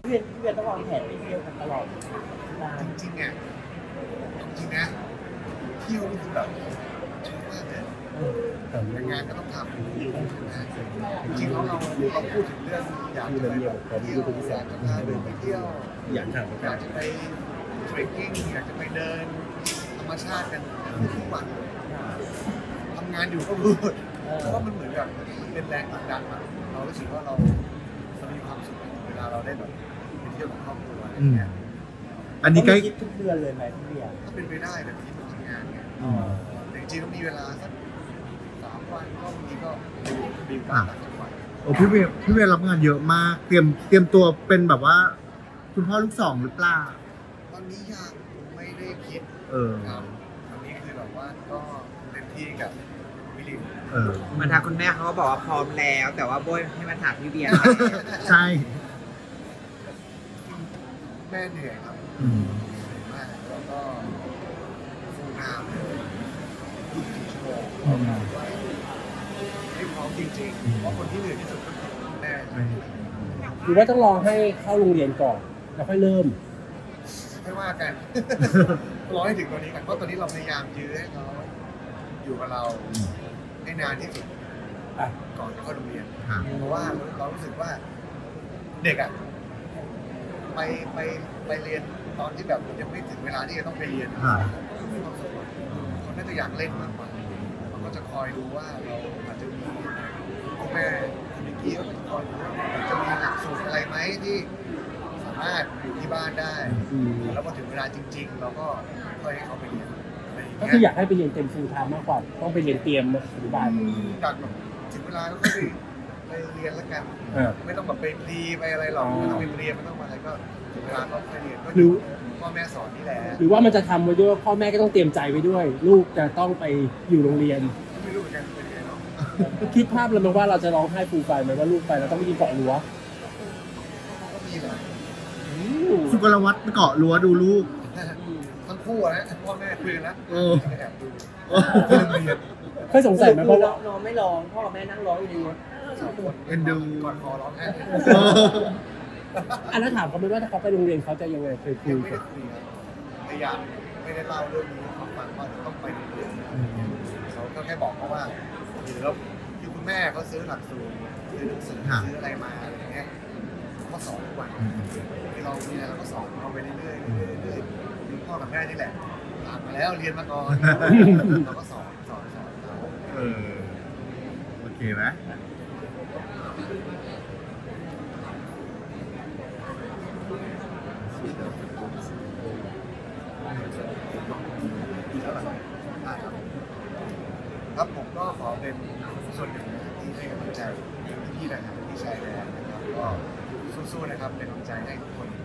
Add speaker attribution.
Speaker 1: พี่เวียต้องวางแผนไปเที่ยวกันตลอดนาน
Speaker 2: จริงๆอ่ะจริงนะเที่ยวนี่คือแบบชอบมากเลยแต่งานก็ต้องทำนะจริงๆแล้วเราพูดถึงเรื่องอยากจะไปเที่ยวอยากจะพาเดินไปเที่ยว
Speaker 3: อยากถาม
Speaker 2: อยากจะไปเทรคกิ้งอยากจะไปเดินธรรมชาติกันทุกวันทำงานอยู่ก็พูดเพราะว่ามันเหมือนแบบเป็นแรงผลักดันอะเรารู้สึกว่าเรามีความสุขเวลาเราได้แบบไปเที่ยวกับครอบครัวอะไรเงี้ย
Speaker 3: อันนี้ใกล้
Speaker 1: คิดทุกเดือนเลยไหมพี่เวีย
Speaker 2: ก็เป็นไปได้แบบที่ทำงานไงแต่จริงๆก็มีเวลาสัก3 วันก็บางทีก็มีบ้างต่างจังหวัด
Speaker 3: โอ้พี่เวย์รับงานเยอะมาก เตรียมตัวเป็นแบบว่า คุณพ่อลูกสองหรือเปล่า
Speaker 2: ตอนนี้ยังไม่ได้คิด ครับตอนนี้คือแบบว่าก็เต็มที่กับวิลิน
Speaker 4: มันทางคุณแม่เขาก็บอกว่าพร้อมแล้ว แต่ว่าโบยให้มาถามพี่เบียร์
Speaker 3: ใช่
Speaker 2: แม่เหนื่อยครับ
Speaker 3: อืม
Speaker 2: เหนื่อยมากแล้วก็ฟูลไทม์เลย24 ชั่วโมงไม่พร้อมจริงๆ เพราะคนที่เหนื่อยที่สุดก็คือคุณแม่
Speaker 1: หรือว่าต้องรอให้เข้าโรงเรียนก่อนแล้วค่อยเริ่ม
Speaker 2: ไม่ว่ากัน รอให้ถึงตอนนี้กันเพราะตอนนี้เราพยายามยื้อให้เขาอยู่กับเราให้นานที่สุด
Speaker 1: อ่ะ
Speaker 2: ก่อนจะเข้าโรงเรียน
Speaker 3: ครับ
Speaker 2: เพราะว่าเรารู้สึกว่าเด็กอ่ะไปเรียนตอนที่แบบยังไม่ถึงเวลาที่จะต้องไปเรียน
Speaker 3: ครับ
Speaker 2: มีความสุขอะเขาน่าจะอยากเล่นมากกว่าเขาก็จะคอยดูว่าเราอาจจะมีคุณแม่คุณนิกกี้เขาก็จะคอยดูว่าจะมีหลักสูตรอะไรไหมที่สามารถอยู่ที่บ้านได้ แล้วพอถึงเวลาจริง ๆ เราก็ค่อยให้เขาไปเรียนอะไรอย่าง
Speaker 1: ก็
Speaker 2: เงี้
Speaker 1: คืออยากให้ไปเรียนเต็มฟูลไทม์มากกว่าต้องไปเรียนเตรียมอนุบาล
Speaker 2: จากแบบถึงเวลาก็ค่อยไปเรียนแล้วกัน ไม่ต้องแบบไปพรีไปอะไรหรอกไม่ต้องไปเรียนไม่ต้องมาอะไรก็ถึงเวลาก็ค่อยเรียนก็อยู่พ่อแม่สอนนี่แหละ
Speaker 1: หรือว่ามันจะทำไว้ด้วยว่าพ่อแม่ก็ต้องเตรียมใจไว้ด้วย ลูกจะต้องไปอยู่โรงเรียน
Speaker 2: ไม่รู้เหมือนกันเป็นไงเนาะ
Speaker 1: คิดภาพเลยไหมว่าเราจะร้องไห้ฟูลไฟไหมว่าลูกไปแล้วต้องไปยืนเกาะรั้ว
Speaker 2: ก็มีแหละ
Speaker 3: สุกลวัฒน์ไปเกาะรั้วดูลูก
Speaker 2: ทั้งคู่อะนะพ่อแม่คุยกันแล้ว
Speaker 3: เออ
Speaker 2: แอบดูที่โรงเรียน
Speaker 1: เคยสงสัยไหมเพราะว่า
Speaker 5: น้องไม่ร้องพ่อกับแม่นั่งร้องอยู่ในรถ
Speaker 3: เอ็นดู
Speaker 2: ก่อนคอร้องไห้
Speaker 1: อันนั้นถามเขาไหมว่าถ้าเขาไปโรงเรียนเขาจะยังไงเคยคุ
Speaker 2: ยั
Speaker 1: ย
Speaker 2: งไม่
Speaker 1: กั
Speaker 2: ได้
Speaker 1: บ
Speaker 2: คุยครับพยายามไม่ได้เล่าเรื่องนี้ให้เขาฟังว่าจะต้องไปโรงเรียนเขาก็แค่บอกเขาว่าหรือคือคุณแม่เขาซื้อหลักสูตรซื้อหนังสือซื้ออะไรมาอะไรเงี้ยเขาก็สอนทุกวันที่เรามีอะไรเราก็สอนเขาไปเรื่อยๆเรื่อยๆคือพ่อกับแม่นี่แหละผ่านมาแล้วเรียนมาก่อนเราก็สอนเขา
Speaker 3: โอเคไหม
Speaker 2: ครับผมก็ขอเป็นส่วนหนึ่งที่ให้กำลังใจพี่นะครับพี่ชายแดนนะครับก็สู้ๆนะครับเป็นกำลังใจให้ทุกคน